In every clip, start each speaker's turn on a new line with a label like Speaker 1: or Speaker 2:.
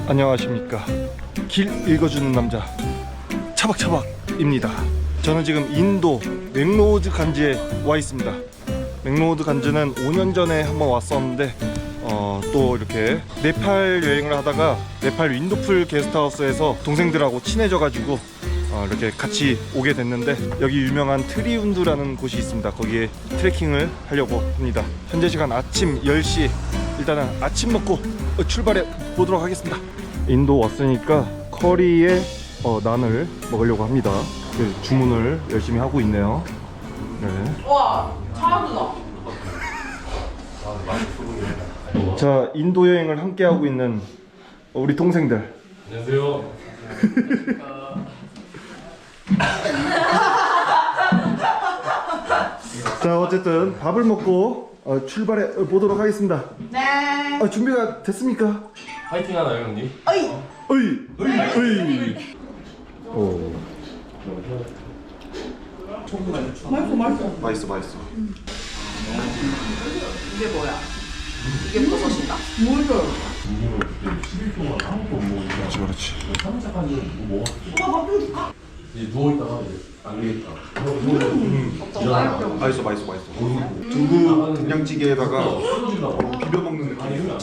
Speaker 1: 안녕하십니까. 길 읽어주는 남자 차박차박입니다. 저는 지금 인도 맥로우드 간지에 와 있습니다. 맥로우드 간지는 5년 전에 한번 왔었는데 또 이렇게 네팔 여행을 하다가 네팔 윈도풀 게스트하우스에서 동생들하고 친해져가지고 이렇게 같이 오게 됐는데, 여기 유명한 트리운드라는 곳이 있습니다. 거기에 트레킹을 하려고 합니다. 현재 시간 아침 10시. 일단은 아침 먹고 출발해 보도록 하겠습니다. 인도 왔으니까 커리에 난을 먹으려고 합니다. 주문을 열심히 하고 있네요. 네.
Speaker 2: 와, 차르다.
Speaker 1: 자, 인도 여행을 함께 하고 있는 우리 동생들.
Speaker 3: 안녕하세요.
Speaker 1: 자, 어쨌든 밥을 먹고 출발해 보도록 하겠습니다.
Speaker 2: 네.
Speaker 1: 준비가 됐습니까?
Speaker 3: 파이팅 하나요, 형님?
Speaker 2: 어이.
Speaker 1: 어이. 오.
Speaker 2: 맛있어.
Speaker 1: 맛있어.
Speaker 2: 이게 뭐야? 이게 버섯인가?
Speaker 1: 그렇지.
Speaker 3: 이제 누워있다가 이제 안 되겠다.
Speaker 1: 맛있어. 두부 된장찌개에다가 비벼 먹는 느낌.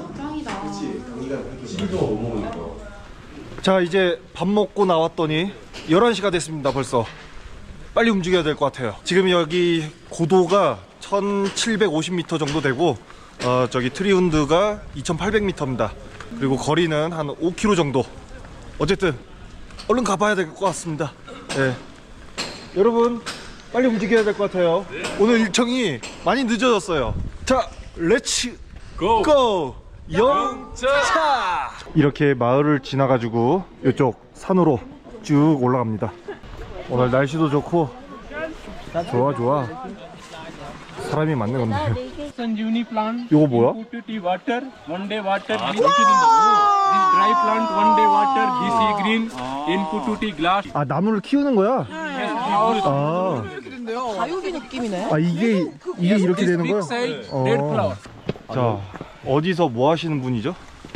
Speaker 3: 시리즈가 못 먹으니까.
Speaker 1: 자, 이제 밥 먹고 나왔더니 11시가 됐습니다. 벌써 빨리 움직여야 될 것 같아요. 지금 여기 고도가 1750m 정도 되고 저기 트리운드가 2800m입니다. 그리고 거리는 한 5km 정도. 어쨌든 얼른 가봐야 될 것 같습니다. 네. 여러분 빨리 움직여야 될 것 같아요. 오늘 일정이 많이 늦어졌어요. 자, 렛츠 고! 영차! 이렇게 마을을 지나가지고 이쪽 산으로 쭉 올라갑니다. 오늘 날씨도 좋고 좋아. 사람이 많네. 근데
Speaker 4: Sanjeevani plant.
Speaker 1: 이거 뭐야?
Speaker 4: Put it in water. One day water. This dry plant. One day water. This green. Input to glass.
Speaker 1: 아, 나무를 키우는 거야? 아,
Speaker 2: 다육이 느낌이네.
Speaker 1: 이게 이렇게 되는
Speaker 4: Big
Speaker 1: 거야?
Speaker 4: size red flower.
Speaker 1: 자, 어디서 뭐 하시는 분이죠?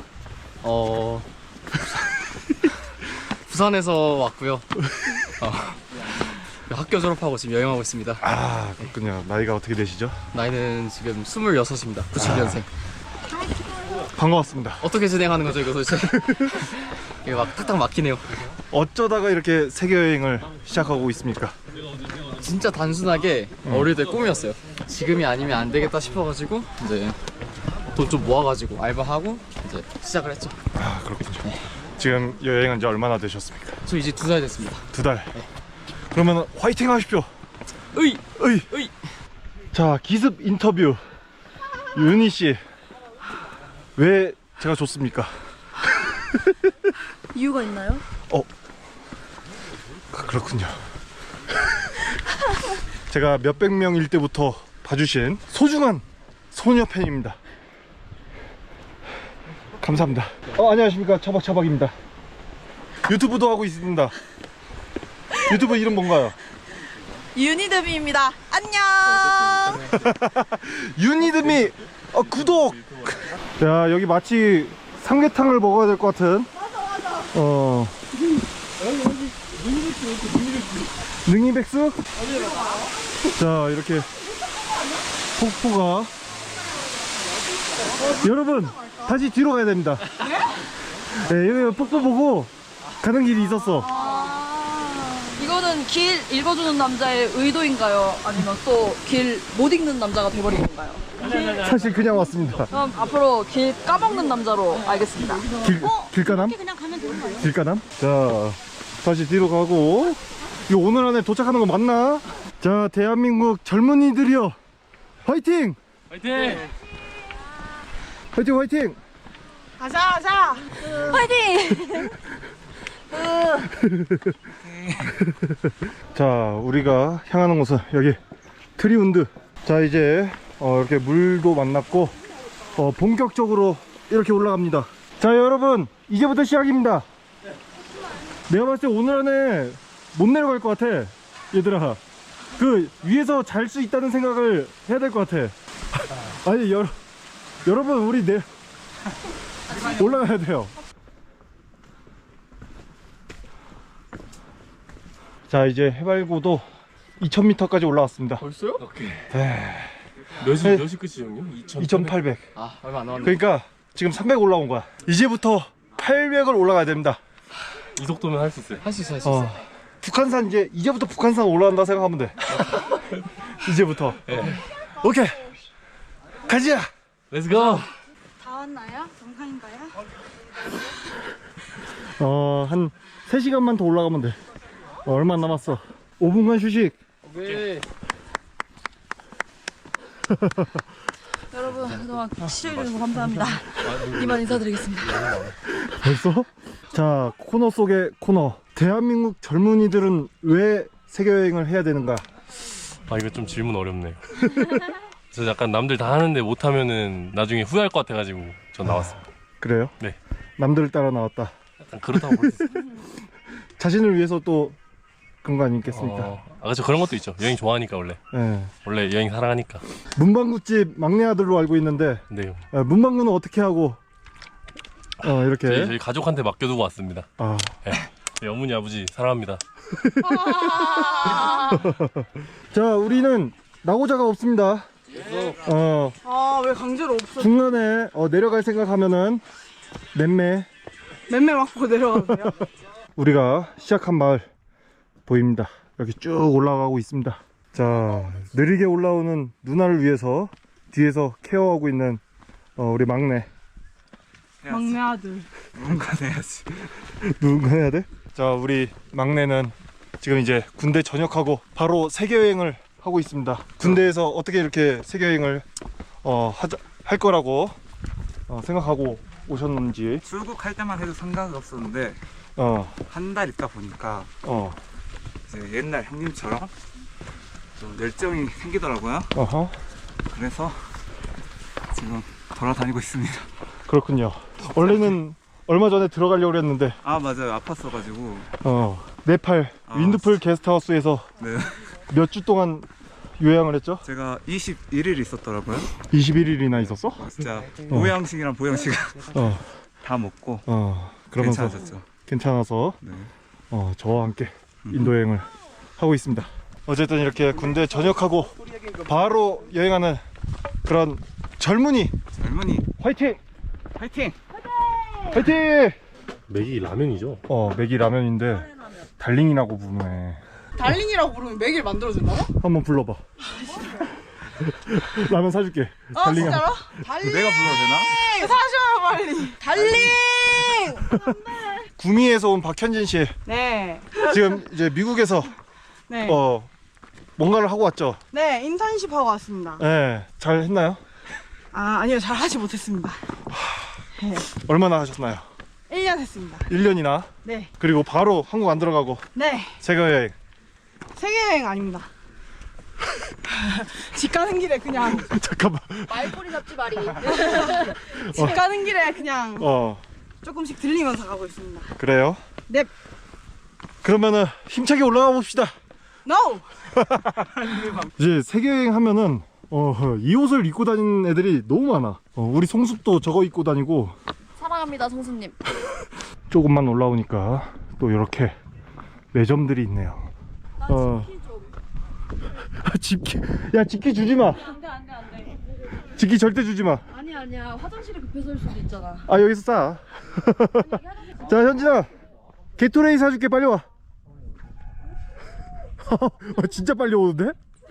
Speaker 5: 부산에서 왔고요. 학교 졸업하고 지금 여행하고 있습니다.
Speaker 1: 아, 그렇군요. 나이가 어떻게 되시죠?
Speaker 5: 나이는 지금 26입니다. 90년생.
Speaker 1: 반가웠습니다.
Speaker 5: 어떻게 진행하는 거죠, 이거 도대체? 이게 막 탁탁 막히네요.
Speaker 1: 어쩌다가 이렇게 세계 여행을 시작하고 있습니까?
Speaker 5: 진짜 단순하게 어릴 때 꿈이었어요. 지금이 아니면 안 되겠다 싶어가지고 이제 돈 좀 모아가지고 알바하고 이제 시작을 했죠.
Speaker 1: 아, 그렇군요. 지금 여행한 지 얼마나 되셨습니까?
Speaker 5: 저 이제 2살 됐습니다.
Speaker 1: 2달. 그러면 화이팅 하십시오.
Speaker 5: 으이!
Speaker 1: 으이. 자, 기습 인터뷰. 윤희 씨, 왜 제가 좋습니까?
Speaker 6: 이유가 있나요?
Speaker 1: 그렇군요. 제가 몇백 명일 때부터 봐주신 소중한 소녀 팬입니다. 감사합니다. 안녕하십니까. 차박차박입니다. 유튜브도 하고 있습니다. 유튜브 이름 뭔가요?
Speaker 2: 유니드미입니다. 안녕.
Speaker 1: 유니드미 구독. 자, 여기 마치 삼계탕을 먹어야 될 것 같은. 능이백숙? 자, 이렇게 폭포가. 여러분 다시 뒤로 가야 됩니다. 네, 여기 폭포 보고 가는 길이 있었어.
Speaker 2: 이거는 길 읽어주는 남자의 의도인가요? 아니면 또 길 못 읽는 남자가 돼버린 건가요?
Speaker 1: 사실 그냥 왔습니다.
Speaker 2: 그럼 앞으로 길 까먹는 남자로 알겠습니다.
Speaker 1: 길가남? 길가남? 자, 다시 뒤로 가고. 이거 오늘 안에 도착하는 거 맞나? 자, 대한민국 젊은이들이여, 화이팅!
Speaker 4: 화이팅!
Speaker 1: 화이팅!
Speaker 2: 가자.
Speaker 6: 화이팅!
Speaker 1: 자, 우리가 향하는 곳은 여기 트리운드. 자, 이제 이렇게 물도 만났고 본격적으로 이렇게 올라갑니다. 자, 여러분 이제부터 시작입니다. 내가 봤을 때 오늘 안에 못 내려갈 것 같아. 얘들아, 그 위에서 잘 수 있다는 생각을 해야 될 것 같아. 아니, 여러분 우리 올라가야 돼요. 자, 이제 해발고도 2000m까지 올라왔습니다.
Speaker 5: 벌써요?
Speaker 3: 오케이.
Speaker 1: 네.
Speaker 3: 몇이 끝이죠, 형님?
Speaker 1: 2800.
Speaker 5: 아 얼마 안 남았네.
Speaker 1: 그러니까 지금 300 올라온 거야. 이제부터 800을 올라가야 됩니다.
Speaker 3: 이 속도면 할 수 있어요.
Speaker 5: 할 수 있어 할 수 있어.
Speaker 1: 북한산 이제부터 북한산 올라간다 생각하면 돼. 이제부터. 오케이. 가자.
Speaker 3: Let's go.
Speaker 6: 다 왔나요? 정상인가요?
Speaker 1: 한 3시간만 더 올라가면 돼. 얼마 안 남았어. 5분간 휴식.
Speaker 5: 오케이.
Speaker 2: 여러분 그동안 시청해주셔서 감사합니다. 이만 인사드리겠습니다.
Speaker 1: 벌써? 자, 코너 속의 코너. 대한민국 젊은이들은 왜 세계여행을 해야 되는가?
Speaker 3: 아, 이거 좀 질문 어렵네요. 저 약간 남들 다 하는데 못하면은 나중에 후회할 것 같아가지고 전 나왔습니다.
Speaker 1: 그래요?
Speaker 3: 네.
Speaker 1: 남들을 따라 나왔다.
Speaker 3: 약간 그렇다고 볼 수 있어요.
Speaker 1: 자신을 위해서 또 그런 거 아니겠습니까?
Speaker 3: 그렇죠. 그런 것도 있죠. 여행 좋아하니까 원래.
Speaker 1: 네.
Speaker 3: 원래 여행 사랑하니까.
Speaker 1: 문방구집 막내 아들로 알고 있는데
Speaker 3: 네.
Speaker 1: 문방구는 어떻게 하고 이렇게
Speaker 3: 저희 가족한테 맡겨두고 왔습니다.
Speaker 1: 아,
Speaker 3: 네, 어머니 아버지 사랑합니다.
Speaker 1: 자, 우리는 나고자가 없습니다.
Speaker 7: 왜 강제로 없어?
Speaker 1: 중간에 내려갈 생각하면은 맴매
Speaker 7: 맴매 맞고 내려가세요?
Speaker 1: 우리가 시작한 마을 보입니다. 여기 쭉 올라가고 있습니다. 자, 느리게 올라오는 누나를 위해서 뒤에서 케어하고 있는 우리 막내.
Speaker 7: 막내 아들.
Speaker 1: 누군가 해야 돼? 자, 우리 막내는 지금 이제 군대 전역하고 바로 세계여행을 하고 있습니다. 군대에서 어떻게 이렇게 세계여행을 할 거라고 생각하고 오셨는지.
Speaker 8: 출국할 때만 해도 생각이 없었는데 한 달 있다 보니까 이제 옛날 형님처럼 좀 열정이 생기더라고요. 그래서 지금 돌아다니고 있습니다.
Speaker 1: 그렇군요. 원래는 얼마 전에 들어가려고 했는데
Speaker 8: 아 맞아요, 아팠어가지고.
Speaker 1: 네팔 윈드풀 게스트하우스에서
Speaker 8: 네,
Speaker 1: 몇 주 동안 요양을 했죠?
Speaker 8: 제가 21일 있었더라고요.
Speaker 1: 21일이나 있었어?
Speaker 8: 진짜 보양식이랑 보양식 다 먹고
Speaker 1: 그러면서
Speaker 8: 괜찮아졌죠.
Speaker 1: 괜찮아서
Speaker 8: 네.
Speaker 1: 저와 함께 인도여행을 하고 있습니다. 어쨌든 이렇게 군대 전역하고 바로 여행하는 그런 젊은이 화이팅!
Speaker 8: 화이팅!
Speaker 1: 화이팅!
Speaker 3: 맥이 라면이죠?
Speaker 1: 맥이 라면인데 달링이라고 부르네.
Speaker 7: 달링이라고 부르면 맥일 만들어준다고?
Speaker 1: 한번 불러봐. 라면 사줄게. 달링.
Speaker 7: 진짜로? 달링!
Speaker 8: 내가 불러도 되나?
Speaker 7: 사줘요 빨리. 달링!
Speaker 1: 구미에서 온 박현진 씨.
Speaker 7: 네.
Speaker 1: 지금 이제 미국에서
Speaker 7: 네.
Speaker 1: 뭔가를 하고 왔죠?
Speaker 7: 네, 인턴십 하고 왔습니다.
Speaker 1: 네. 잘 했나요?
Speaker 7: 아니요, 잘 하지 못했습니다. 네.
Speaker 1: 얼마나 하셨나요?
Speaker 7: 1년 했습니다.
Speaker 1: 1년이나?
Speaker 7: 네.
Speaker 1: 그리고 바로 한국 안 들어가고
Speaker 7: 네.
Speaker 1: 세계여행.
Speaker 7: 세계여행 아닙니다. 집 가는 길에 그냥
Speaker 1: 잠깐만.
Speaker 2: 말꼬리 잡지 말이.
Speaker 7: 집 가는 길에 그냥
Speaker 1: 조금씩
Speaker 7: 들리면서 가고 있습니다.
Speaker 1: 그래요?
Speaker 7: 네.
Speaker 1: 그러면은 힘차게 올라가 봅시다.
Speaker 7: No!
Speaker 1: 이제 세계여행 하면은 이 옷을 입고 다니는 애들이 너무 많아. 우리 송숙도 저거 입고 다니고.
Speaker 2: 사랑합니다 송수님.
Speaker 1: 조금만 올라오니까 또 이렇게 매점들이 있네요. 집기 야, 집기 주지 마.
Speaker 2: 안돼.
Speaker 1: 집기 절대 주지 마.
Speaker 2: 아니야 화장실에 급해서 올 수도 있잖아.
Speaker 1: 아, 여기서 싸. 자, 현진아, 게토레이 사줄게. 빨리 와. 진짜 빨리 오는데?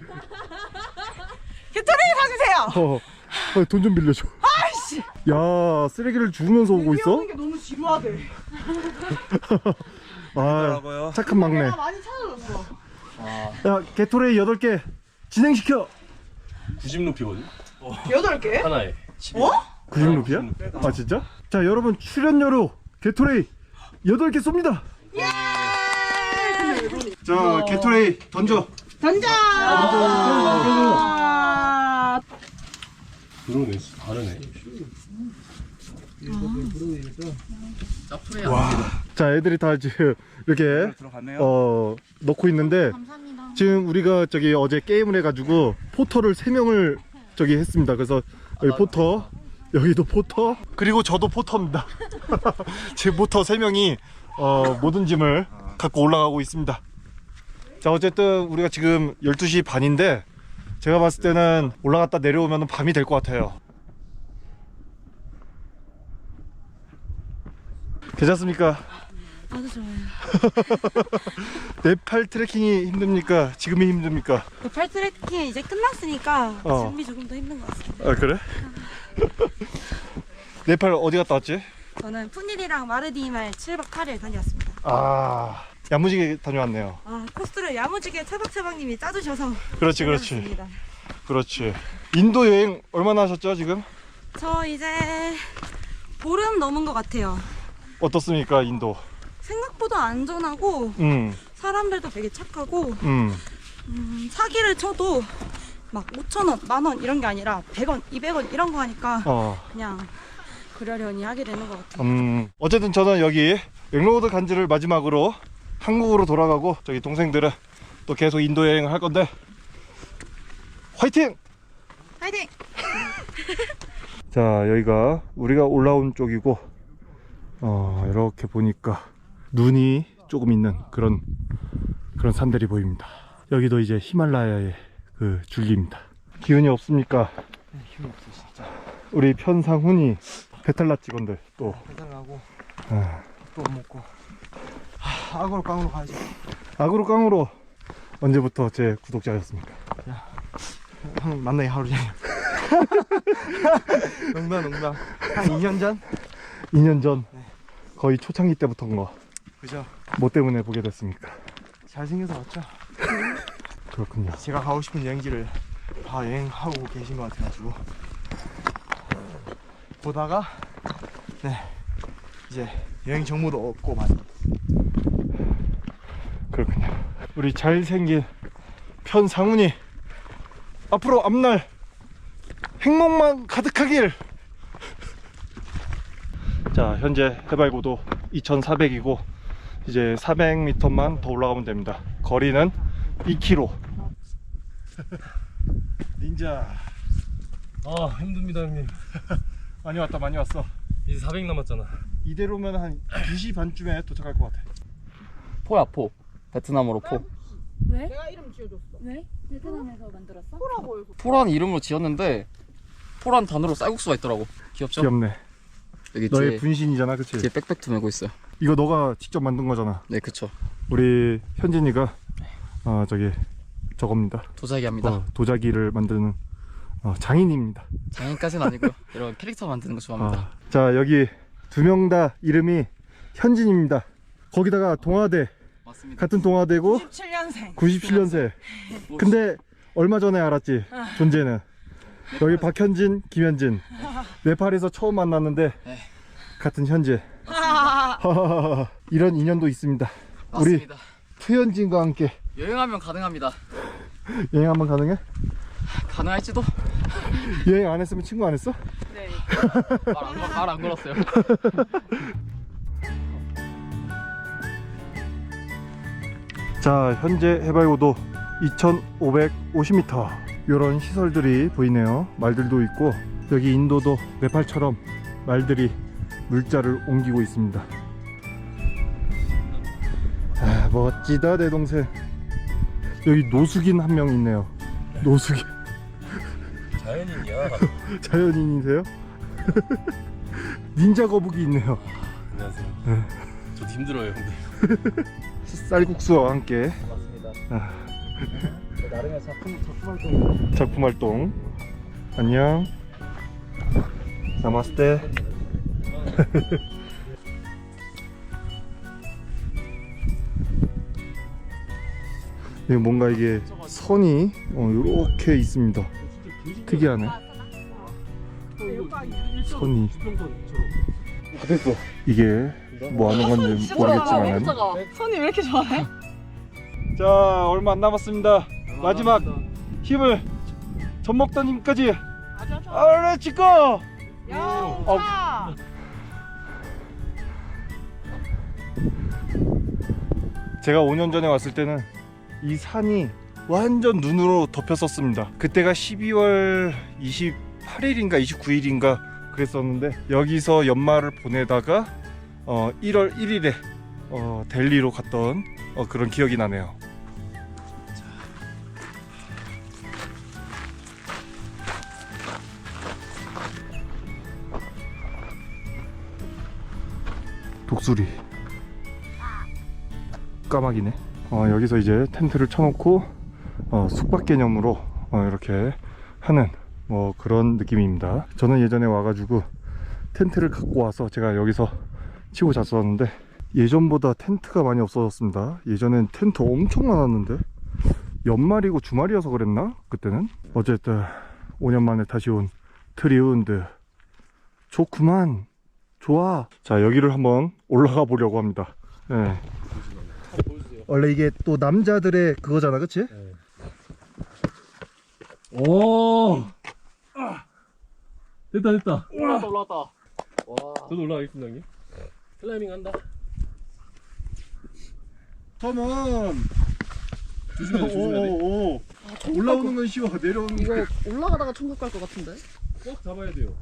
Speaker 7: 게토레이 사주세요!
Speaker 1: 돈 좀 빌려줘.
Speaker 7: 아이씨!
Speaker 1: 야, 쓰레기를 주우면서 오고 있어?
Speaker 7: 오는 게 너무 지루하대.
Speaker 1: 착한 막내.
Speaker 7: 내가 많이 찾아줬어.
Speaker 1: 야, 게토레이 8개 진행시켜.
Speaker 3: 90루피거든?
Speaker 7: 8개?
Speaker 3: 하나에.
Speaker 1: 90루피야? 아, 진짜? 자, 여러분, 출연료로 게토레이 8개 쏩니다. 자, 게토레이 던져.
Speaker 7: 던져!
Speaker 3: 그러네, 다르네.
Speaker 1: 자, 애들이 다 지금 이렇게
Speaker 8: 들어갔네요.
Speaker 1: 넣고 있는데 지금 우리가 어제 게임을 해가지고 포터를 3명을 했습니다. 그래서 여기 포터, 여기도 포터, 그리고 저도 포터입니다. 제 포터 3명이 모든 짐을 갖고 올라가고 있습니다. 자, 어쨌든 우리가 지금 12시 반인데 제가 봤을 때는 올라갔다 내려오면 밤이 될 것 같아요. 괜찮습니까?
Speaker 6: 아주 좋아요.
Speaker 1: 네팔 트레킹이 힘듭니까? 지금이 힘듭니까?
Speaker 6: 네팔 트레킹이 이제 끝났으니까
Speaker 1: 어.
Speaker 6: 준비 조금 더 힘든 것 같습니다.
Speaker 1: 아, 그래? 네팔 어디 갔다 왔지?
Speaker 6: 저는 푸닐이랑 마르디말 7박 8일 다녀왔습니다.
Speaker 1: 아, 야무지게 다녀왔네요.
Speaker 6: 아, 코스를 야무지게 차박차박님이 짜주셔서
Speaker 1: 그렇지.
Speaker 6: 다녀왔습니다.
Speaker 1: 그렇지. 인도 여행 얼마나 하셨죠, 지금?
Speaker 6: 저 이제 보름 넘은 것 같아요.
Speaker 1: 어떻습니까, 인도?
Speaker 6: 생각보다 안전하고 사람들도 되게 착하고 사기를 쳐도 막 5,000원, 10,000원 이런 게 아니라 100원, 200원 이런 거 하니까 그냥 그러려니 하게 되는 것 같아요.
Speaker 1: 어쨌든 저는 여기 맥로드 간지를 마지막으로 한국으로 돌아가고 저기 동생들은 또 계속 인도 여행을 할 건데 화이팅!
Speaker 6: 파이팅!
Speaker 1: 자, 여기가 우리가 올라온 쪽이고 이렇게 보니까 눈이 조금 있는 그런 산들이 보입니다. 여기도 이제 히말라야의 그 줄기입니다. 기운이 없습니까?
Speaker 5: 네, 힘이 없어 진짜.
Speaker 1: 우리 편상훈이 배탈나 직원들 또
Speaker 5: 해달라고
Speaker 1: 아,
Speaker 5: 또 못 먹고 악으로 깡으로 가야지.
Speaker 1: 악으로 깡으로 언제부터 제 구독자였습니까?
Speaker 5: 형 만나기 하루 전이야. 농담. 한 2년 전?
Speaker 1: 2년 전 거의 초창기 때부터인 거.
Speaker 5: 그죠.
Speaker 1: 뭐 때문에 보게 됐습니까?
Speaker 5: 잘생겨서 왔죠.
Speaker 1: 그렇군요.
Speaker 5: 제가 가고 싶은 여행지를 다 여행하고 계신 것 같아가지고 보다가 네 이제 여행 정보도 얻고 많이.
Speaker 1: 그렇군요. 우리 잘생긴 편상훈이 앞으로 앞날 행복만 가득하길. 자, 현재 해발고도 2400이고 이제 400m만 더 올라가면 됩니다. 거리는 2km. 닌자
Speaker 3: 아 힘듭니다 형님.
Speaker 1: 많이 왔다, 많이 왔어.
Speaker 3: 이제 400 남았잖아.
Speaker 1: 이대로면 한 2시 반쯤에 도착할 것 같아.
Speaker 5: 포야 포. 베트남어로 포.
Speaker 2: 왜?
Speaker 7: 내가 이름 지어줬어.
Speaker 2: 왜? 베트남에서 만들었어?
Speaker 7: 포라고 해서.
Speaker 5: 포란 이름으로 지었는데 포란 단어로 쌀국수가 있더라고. 귀엽죠?
Speaker 1: 귀엽네.
Speaker 5: 여기
Speaker 1: 너의
Speaker 5: 뒤에
Speaker 1: 분신이잖아, 그치?
Speaker 5: 뒤에 백팩도 메고 있어요.
Speaker 1: 이거 너가 직접 만든 거잖아.
Speaker 5: 네 그쵸.
Speaker 1: 우리 현진이가 저기 저겁니다.
Speaker 5: 도자기 합니다.
Speaker 1: 도자기를 만드는 장인입니다.
Speaker 5: 장인까지는 아니고요. 이런 캐릭터 만드는 거 좋아합니다.
Speaker 1: 자, 여기 두 명 다 이름이 현진입니다. 거기다가 동아대,
Speaker 5: 맞습니다.
Speaker 1: 같은 동아대고
Speaker 7: 97년생.
Speaker 1: 97년생. 근데 얼마 전에 알았지, 존재는. 여기 박현진, 김현진. 네팔에서 처음 만났는데
Speaker 5: 네.
Speaker 1: 같은 현재. 이런 인연도 있습니다. 우리
Speaker 5: 맞습니다.
Speaker 1: 투현진과 함께
Speaker 5: 여행하면 가능합니다.
Speaker 1: 여행 한번 가능해?
Speaker 5: 가능할지도.
Speaker 1: 여행 안 했으면 친구 안 했어?
Speaker 2: 네.
Speaker 5: 말 안 걸었어요.
Speaker 1: 자, 현재 해발고도 2550m. 이런 시설들이 보이네요. 말들도 있고 여기 인도도 네팔처럼 말들이 물자를 옮기고 있습니다. 아, 멋지다 내 동생. 여기 노숙인 한 명 있네요. 노숙인.
Speaker 3: 자연인이야.
Speaker 1: 자연인이세요? 닌자 거북이 있네요.
Speaker 3: 안녕하세요.
Speaker 1: 네.
Speaker 3: 저도 힘들어요 형님.
Speaker 1: 쌀국수와 함께
Speaker 5: 맞습니다. 나름의 작품 활동.
Speaker 1: 작품 활동. 안녕. 나마스테. 이게 뭔가 이게 선이 이렇게 있습니다. 특이하네. 선이. 됐어. 이게 뭐 하는 건지 모르겠지만.
Speaker 7: 손이 왜 이렇게 좋아해?
Speaker 1: 자, 얼마 안 남았습니다. 마지막 힘을 젖먹던 힘까지. 아래 찍고.
Speaker 7: 야,
Speaker 1: 제가 5년 전에 왔을 때는 이 산이 완전 눈으로 덮였었습니다. 그때가 12월 28일인가 29일인가 그랬었는데 여기서 연말을 보내다가 1월 1일에 델리로 갔던 그런 기억이 나네요. 독수리 까마귀네. 여기서 이제 텐트를 쳐놓고 숙박 개념으로 이렇게 하는 뭐 그런 느낌입니다. 저는 예전에 와가지고 텐트를 갖고 와서 제가 여기서 치고 잤었는데 예전보다 텐트가 많이 없어졌습니다. 예전엔 텐트 엄청 많았는데 연말이고 주말이어서 그랬나? 그때는. 어쨌든 5년 만에 다시 온 트리운드 좋구만. 좋아. 자, 여기를 한번 올라가 보려고 합니다. 네. 원래 이게 또 남자들의 그거잖아, 그치?
Speaker 3: 오. 됐다.
Speaker 5: 올라왔다. 와.
Speaker 3: 저도 올라가겠습니다, 형님. 클라이밍 한다.
Speaker 1: 컴온.
Speaker 3: 조심해야 돼.
Speaker 1: 오. 올라오는 건 쉬워. 내려오는
Speaker 2: 이거
Speaker 1: 거.
Speaker 2: 올라가다가 천국 갈 것 같은데?
Speaker 3: 꼭 잡아야 돼요.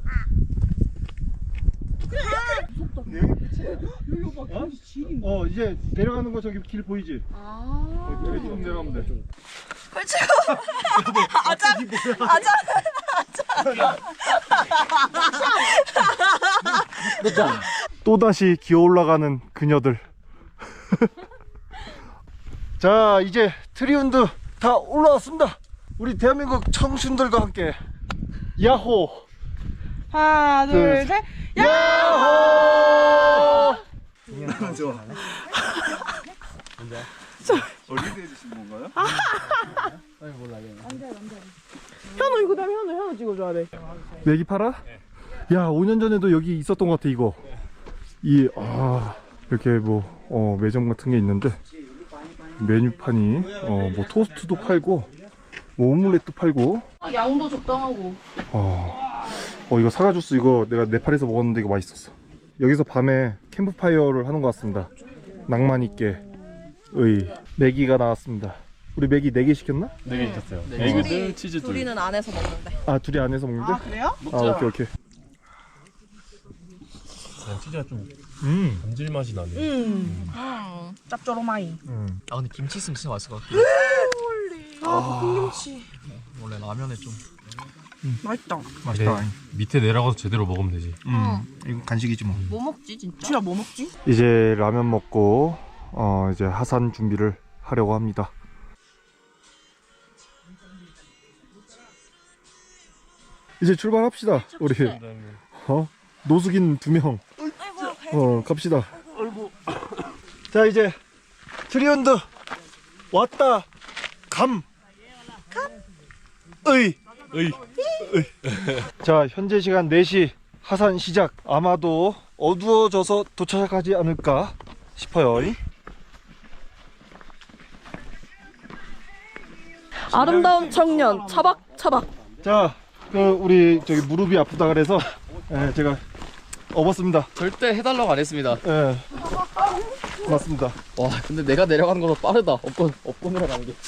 Speaker 1: 이제 내려가는 거 저기 길 보이지? 여기 좀 내려가면 돼. 또다시 기어 올라가는 그녀들. 자, 이제 트리운드 다 올라왔습니다. 우리 대한민국 청춘들과 함께 야호.
Speaker 7: 하나, 둘, 셋.
Speaker 1: 야호.
Speaker 8: 좋아. 어린이 해주신 건가요?
Speaker 7: 현우 이거 다음에 현우 찍어줘야 돼.
Speaker 1: 메기 팔아? 야, 5년 전에도 여기 있었던 것 같아. 이거 이렇게 뭐 매점 같은 게 있는데 메뉴판이 뭐 토스트도 팔고 뭐 오믈렛도 팔고.
Speaker 2: 양도 적당하고.
Speaker 1: 이거 사과 주스 이거 내가 네팔에서 먹었는데 이거 맛있었어. 여기서 밤에 캠프파이어를 하는 것 같습니다. 낭만 있게 메기가 나왔습니다. 우리 메기 4개 시켰나?
Speaker 3: 4개 있었어요.
Speaker 2: 둘이-
Speaker 3: 에그들, 치즈 둘.
Speaker 2: 둘이는 안에서 먹는데.
Speaker 1: 둘이 안에서 먹는데?
Speaker 7: 그래요?
Speaker 1: 오케이.
Speaker 3: 치즈가 좀 감질맛이 나네.
Speaker 7: 짭조름하이.
Speaker 5: 근데 김치 있으면 진짜 맛있을 것 같아.
Speaker 7: 볶음김치.
Speaker 5: 원래 라면에 좀.
Speaker 7: 맛있다.
Speaker 1: 맛있다.
Speaker 3: 밑에 내려가서 제대로 먹으면 되지.
Speaker 1: 이거 간식이지 뭐.
Speaker 2: 뭐 먹지 진짜?
Speaker 7: 진짜 뭐 먹지?
Speaker 1: 이제 라면 먹고 이제 하산 준비를 하려고 합니다. 이제 출발합시다. 우리 노숙인 2명. 갑시다. 자, 이제 트리운드 왔다. 자, 현재 시간 4시 하산 시작. 아마도 어두워져서 도착하지 않을까 싶어요.
Speaker 2: 아름다운 청년 차박차박.
Speaker 1: 자, 우리 저기 무릎이 아프다 그래서 제가 업었습니다.
Speaker 5: 절대 해달라고 안 했습니다.
Speaker 1: 맞습니다.
Speaker 5: 와, 근데 내가 내려가는 거보다 빠르다. 업고 내려가는 게.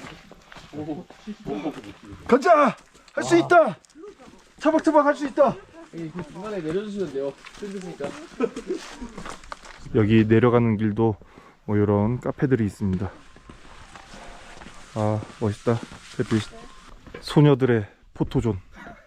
Speaker 1: 가자! 할 수 있다! 차박차박 할 수 있다!
Speaker 5: 그 중간에 내려주시면 돼요. 힘드니까.
Speaker 1: 여기 내려가는 길도 뭐 이런 카페들이 있습니다. 멋있다. 햇빛. 소녀들의 포토존.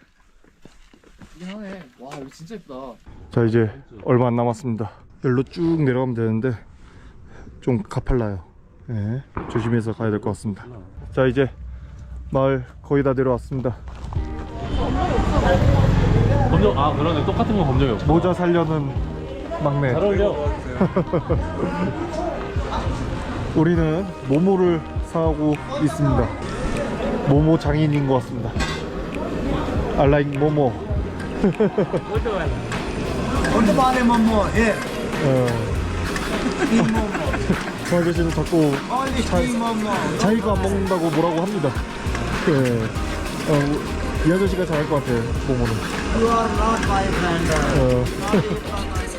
Speaker 5: 이상해. 와, 이거 진짜 예쁘다.
Speaker 1: 자, 이제 얼마 안 남았습니다. 여기로 쭉 내려가면 되는데 좀 가팔라요. 조심해서 가야 될 것 같습니다. 자, 이제 마을 거의 다 내려왔습니다.
Speaker 3: 검정, 그러네. 똑같은 건 검정이 없어.
Speaker 1: 모자 살려는 막내.
Speaker 3: 잘 어울려.
Speaker 1: 우리는 모모를 사고 있습니다. 모모 장인인 것 같습니다. I like 모모.
Speaker 8: 오토바이 뭐뭐 예.
Speaker 1: 저 아저씨는 자꾸 자기가 안 먹는다고 뭐라고 합니다. 이 아저씨가 잘할 것 같아, 모모는.
Speaker 8: You are not my friend.